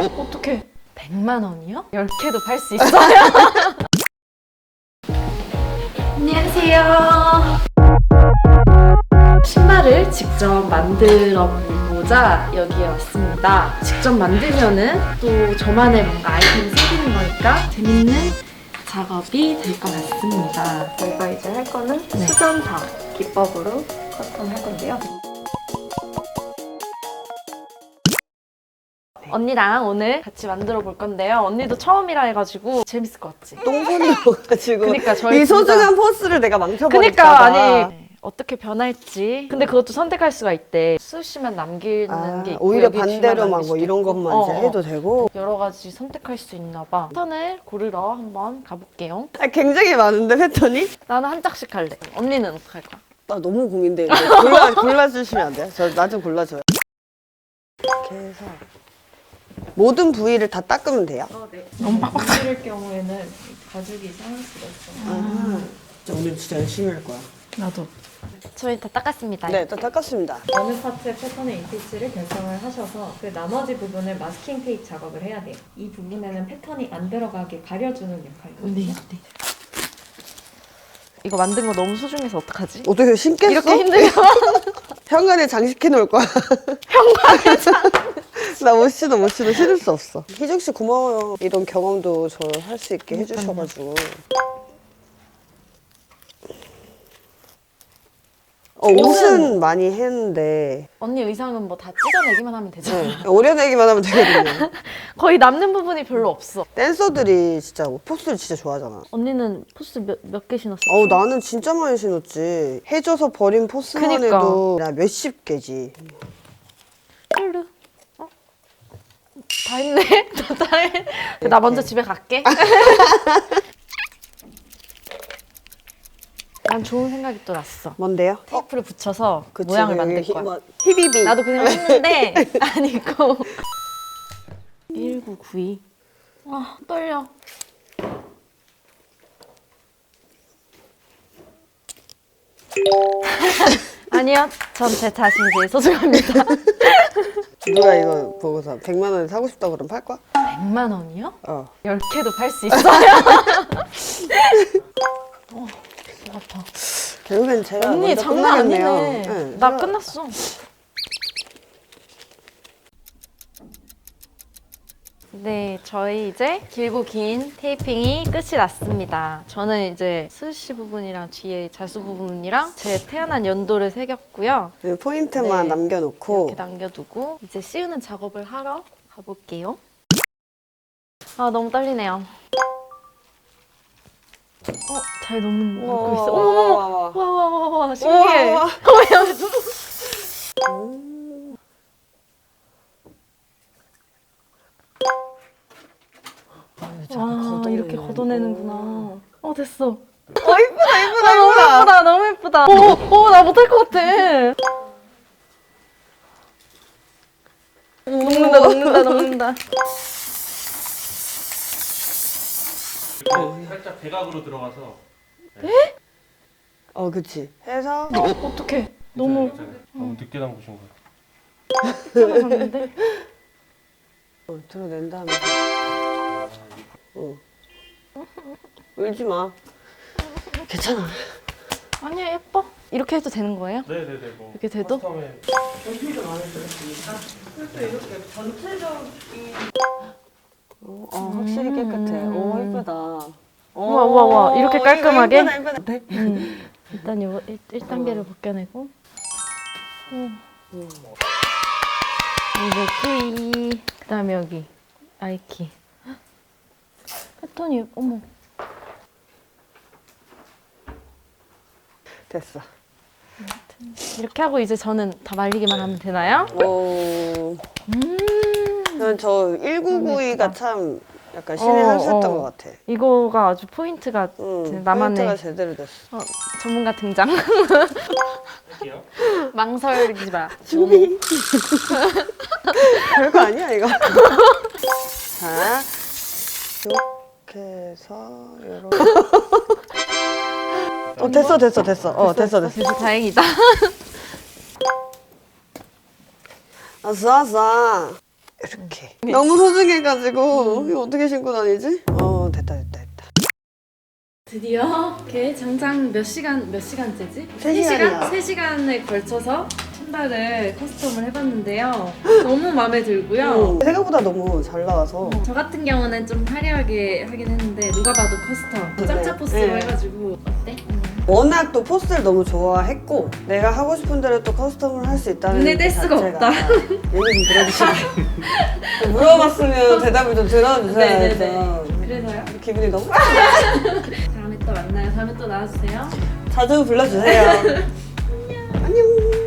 어떡해. 100만 원이요? 10개도 팔 수 있어요? 안녕하세요. 신발을 직접 만들어 보고자 여기에 왔습니다. 직접 만들면은 또 저만의 뭔가 아이템이 생기는 거니까 재밌는 작업이 될 것 같습니다. 저희가 이제 할 거는 수전사 기법으로 커튼 할 건데요. 언니랑 오늘 같이 만들어 볼 건데요. 언니도 처음이라 해가지고 재밌을 것 같지? 똥손이 와가지고 그러니까 저희 이 소중한 포스를 내가 망쳐버릴까 그러니까 봐. 아니 어떻게 변할지. 근데 그것도 선택할 수가 있대. 수시만 남기는 게 있고 오히려 여기 반대로 뒤만 막 남길 뭐 수도 이런 있고. 것만 이제 해도 되고. 여러 가지 선택할 수 있나 봐. 패턴을 고르러 한번 가볼게요. 굉장히 많은데 패턴이? 나는 한 짝씩 할래. 언니는 어떻게 할 거야? 나 너무 고민돼. 골라주시면 안 돼요? 나 좀 골라줘요. 이렇게 해서 모든 부위를 다 닦으면 돼요? 네. 너무 빡빡 찌를 경우에는 가죽이 상할 수가 있어요. 오늘 진짜 열심히 할 거야. 나도. 저희 다 닦았습니다. 네, 다 닦았습니다. 어느 파트의 패턴의 인피치를 결정을 하셔서 그 나머지 부분을 마스킹 테이프 작업을 해야 돼요. 이 부분에는 패턴이 안 들어가게 가려주는 역할이거든요. 네. 이거 만든 거 너무 소중해서 어떡하지? 어떻게 신겠어? 이렇게 힘들면 현관에 장식해 놓을 거야. 현관에 나 못 신어 신을 수 없어. 희정 씨 고마워요. 이런 경험도 저 할 수 있게 해주셔가지고. 옷은 많이 했는데 언니 의상은 뭐 다 찢어내기만 하면 되잖아. 오려내기만 하면 되거든요. 거의 남는 부분이 별로 없어. 댄서들이 진짜 포스를 진짜 좋아하잖아. 언니는 포스 몇 개 신었어? 나는 진짜 많이 신었지. 해줘서 버린 포스만 그니까. 해도 나 몇십 개지. 쭈르. 다 했네. 다 했네. 나 먼저 집에 갈게. 난 좋은 생각이 또 났어. 뭔데요? 테이프를 붙여서 그치, 모양을 여기 만들 거야. 히비비. 나도 그냥 했는데 아니고 1992. 아 떨려. 아니요, 전 제 자신이 제일 소중합니다. 누가 이거 보고서 100만 원에 사고 싶다고 그러면 팔 거야? 100만 원이요? 10개도 팔 수 있어요? 뭐 같아. 결국엔 제가 언니 먼저 장난 끝나겠네요. 아니네. 네, 나 제가- 끝났어. 네, 저희 이제 길고 긴 테이핑이 끝이 났습니다. 저는 이제 스시 부분이랑 뒤에 자수 부분이랑 제 태어난 연도를 새겼고요. 네, 포인트만 네. 남겨놓고 이렇게 남겨두고 이제 씌우는 작업을 하러 가볼게요. 아, 너무 떨리네요. 잘 녹고 있어. 어머머머! 와, 신기해. 우와. 와, 이렇게 걷어내는구나. 됐어. 이쁘다 너무 예쁘다, 너무 예쁘다. 나 못할 것 같아. 녹는다. 살짝 대각으로 들어가서 그치. 해서 어떡해. 너무 너무 늦게 담그신 거예요. 들어갔는데? 드러낸 다음에 울지 마. 괜찮아. 아니야, 예뻐. 이렇게 해도 되는 거예요? 네네네. 뭐 이렇게 돼도? 처음에 확실히 깨끗해. 오 예쁘다. 우와. 이렇게 깔끔하게? 이쁘다. 일단 이거 1단계를 벗겨내고. 이거 뿌이. 그 다음에 여기 아이키. 패턴이, 어머. 됐어. 이렇게 하고 이제 저는 다 말리기만 하면 되나요? 저 1992가 참 약간 신의 한 수였던 것 같아. 이거가 아주 포인트가 나만의 포인트가 제대로 됐어. 전문가 등장. 할게요. 망설이지 마. 별거 아니야 이거. 자, 이렇게 해서 이렇게. 됐어. 그래서 다행이다. 아싸. 이렇게. 너무 소중해가지고 이거 어떻게 신고 다니지? 됐다. 드디어 걔 장장 몇 시간째지? 3시간이야. 3시간에 걸쳐서 신발을 커스텀을 해봤는데요. 너무 마음에 들고요. 생각보다 너무 잘 나와서 저 같은 경우는 좀 화려하게 하긴 했는데 누가 봐도 커스텀 짭짭 포스로 네. 해가지고 어때? 워낙 또 포스를 너무 좋아했고 내가 하고 싶은 대로 또 커스텀을 할 수 있다는 눈에 뗄 그 수가 자체가 없다. 얘기 좀 들어주시고 물어봤으면 대답을 좀 들어주셔야죠. 네네네. 그래서요? 기분이 너무 다음에 또 만나요. 다음에 또 나와주세요. 자주 불러주세요. 안녕.